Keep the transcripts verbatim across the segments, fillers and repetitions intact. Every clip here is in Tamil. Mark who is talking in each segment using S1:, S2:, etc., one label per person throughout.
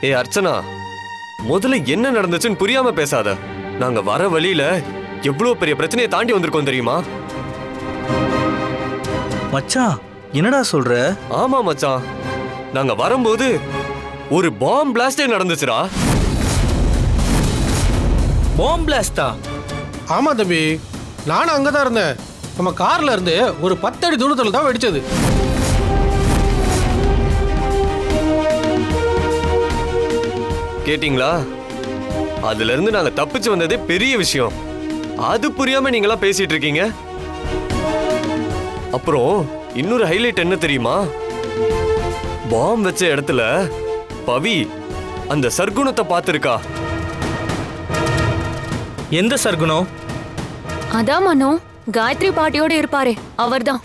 S1: ஏ அர்ச்சனா, முதல்ல என்ன நடந்துச்சுன்னு புரியாம பேசாத. நாங்க வர வழியில எவ்வளவு பெரிய பிரச்சனையை தாண்டி வந்திருக்கோம் தெரியுமா?
S2: மச்சான் என்னடா சொல்ற?
S1: ஆமா மச்சான், நாங்க வரும்போது ஒரு பாம் பிளாஸ்டே நடந்துச்சுடா.
S2: பாம் பிளாஸ்டா?
S3: ஆமா தம்பி, நானும் அங்கதான் இருந்தேன். நம்ம கார்ல இருந்து ஒரு பத்தடி தூரத்துல தான் வெடிச்சது.
S1: கேட்டிங்களா? அதுல இருந்து நாங்க தப்பிச்சு வந்ததே பெரிய விஷயம். அது புரியாம நீங்களா பேசிட்டு இருக்கீங்க. அப்புறம் இன்னொரு ஹைலைட் என்ன தெரியுமா? பாம் வச்ச இடத்துல பவி அந்த சர்க்குணத்தை பார்த்திருக்கா.
S2: எந்த சர்க்குணம்?
S4: அதான் மனோ, காயத்ரி பாட்டியோட இருப்பாரே அவர்தான்.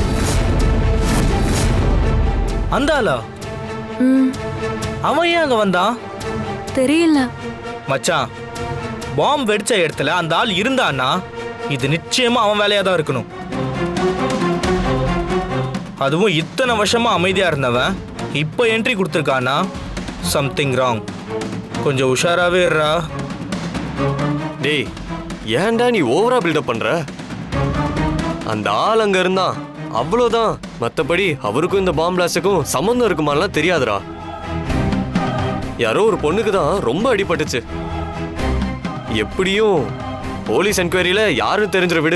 S2: அந்த ஆளா?
S4: ம்,
S2: அவன் ஏன் அங்க வந்தான்?
S4: தெரியல.
S2: மச்சான், பாம் வெடிச்ச இடத்துல அந்த ஆள் இருந்தான்னா இது நிச்சயமா அவன் வேலையா தான் இருக்கணும். அதுவும் இத்தனை வருஷமா அமைதியா இருந்தவன் இப்ப என்ட்ரி கொடுத்துருக்கானா, சம்திங் ராங். கொஞ்சம் உஷாராவே இருடா.
S1: டேய், ஏன்டா நீ ஓவரா பில்டப் பண்ற? அந்த ஆள் அங்க இருந்தான், அவ்வளவுதான். மத்தபடி அவருக்கும் இந்த பாம் பிளாஸ்டுக்கும் சம்பந்தம் இருக்குமாலாம் தெரியாதுடா. யாரோ ஒரு பொண்ணுக்கு தான் ரொம்ப அடிபட்டுச்சு. எப்படியும் போலீஸ் என்கொயரியில யாரும் தெரிஞ்சிட விடு.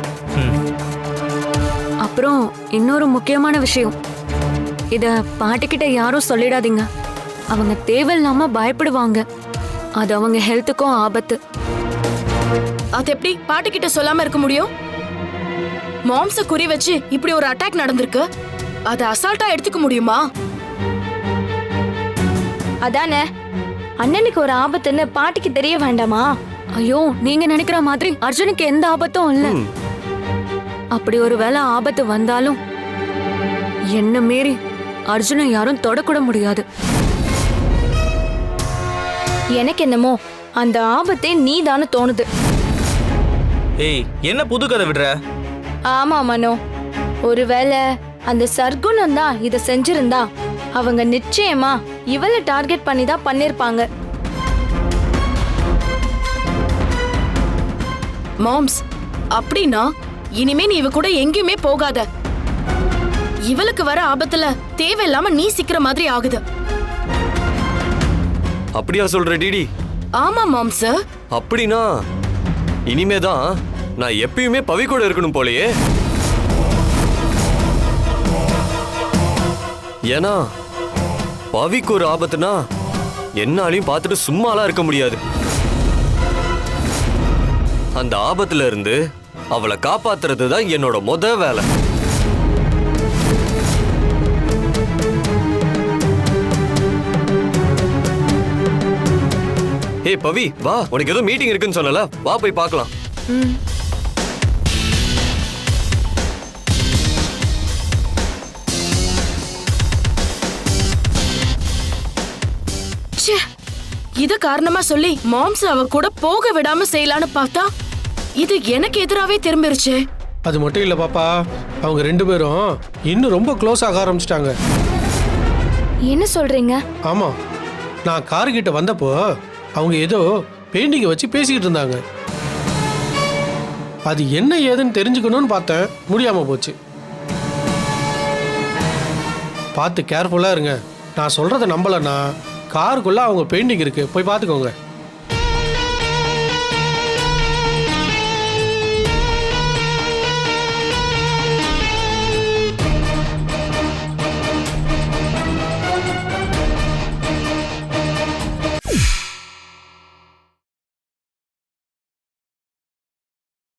S4: அப்புறம் இன்னொரு முக்கியமான விஷயம், இத பாட்டிக்கிட்ட யாரும் சொல்லிடாதீங்க. அவங்க தேவையில்லாம பயப்படுவாங்க. அது அவங்க ஹெல்த்துக்கும் ஆபத்து.
S5: அது எப்படி பாட்டி கிட்ட சொல்லாம இருக்க முடியும்? மாம்ஸ குறி வச்சு இப்படி ஒரு அட்டாக் நடந்திருக்கு, அதை அசால்ட்டா எடுத்துக்க முடியுமா?
S6: அதானே, அண்ணனுக்கு ஒரு ஆபத்துன்னு பாட்டிக்கு தெரிய வேண்டாமா?
S4: ஐயோ, நீங்க நினைக்கிற மாதிரி அர்ஜுனுக்கு எந்த ஆபத்தும் இல்ல. அப்படி ஒரு வேளை ஆபத்து வந்தாலும் என்ன மீறி அர்ஜுனை யாரும் தொடக்கூட முடியாது.
S6: எனக்கு என்னமோ அந்த ஆபத்தே நீ தானே தோணுது.
S2: ஏய், என்ன புது கதை விடுற?
S6: ஆமா மனோ, ஒருவேளை அந்த சர்க்குணம் தான் இதை செஞ்சிருந்தா அவங்க நிச்சயமா இவளை டார்கெட் பண்ணி தான் பண்ணிருப்பாங்க.
S5: மாம்ஸ், அப்படின்னா இனிமே நீ இவ கூட எங்கேயுமே போகாத. இவளுக்கு வர ஆபத்துல தேவையில்லாம நீ சிக்கிற மாதிரி ஆகுது.
S1: அப்படியா சொல்ற டிடி?
S5: ஆமா மாம்ஸ்.
S1: அப்படின்னா இனிமேதான் நான் எப்பயுமே பவி கூட இருக்கணும் போலயே. ஏன்னா பவிக்கு ஒரு ஆபத்துனா என்னாலையும் பார்த்துட்டு சும்மாலாம் இருக்க முடியாது. அந்த ஆபத்துல இருந்து அவளை காப்பாத்துறது தான் என்னோட முத வேலை. ஏ பவி, வா, உனக்கு ஏதோ மீட்டிங் இருக்குன்னு சொன்னல, வா போய் பார்க்கலாம்.
S5: இத காரணமா சொல்லி மாம்ஸ் அவ கூட போக விடாம செய்யலான்னு பார்த்தா இது எனக்கு எதிராவே திரும்பிருச்சு.
S3: அது மட்டும் இல்ல பாப்பா, அவங்க ரெண்டு பேரும் இன்னும் ரொம்ப க்ளோஸ் ஆக ஆரம்பிச்சிட்டாங்க.
S6: என்ன சொல்றீங்க?
S3: ஆமா, நான் கார் கிட்ட வந்தப்போ அவங்க ஏதோ பெயிண்டிங்கை வச்சு பேசிக்கிட்டு இருந்தாங்க. அது என்ன ஏதுன்னு தெரிஞ்சுக்கணும்னு பார்த்தேன், முடியாம போச்சு. பார்த்து கேர்ஃபுல்லா இருங்க. நான் சொல்றதை நம்பலன்னா காருக்குள்ள அவங்க பெயிண்டிங் இருக்கு, போய் பார்த்துக்கோங்க.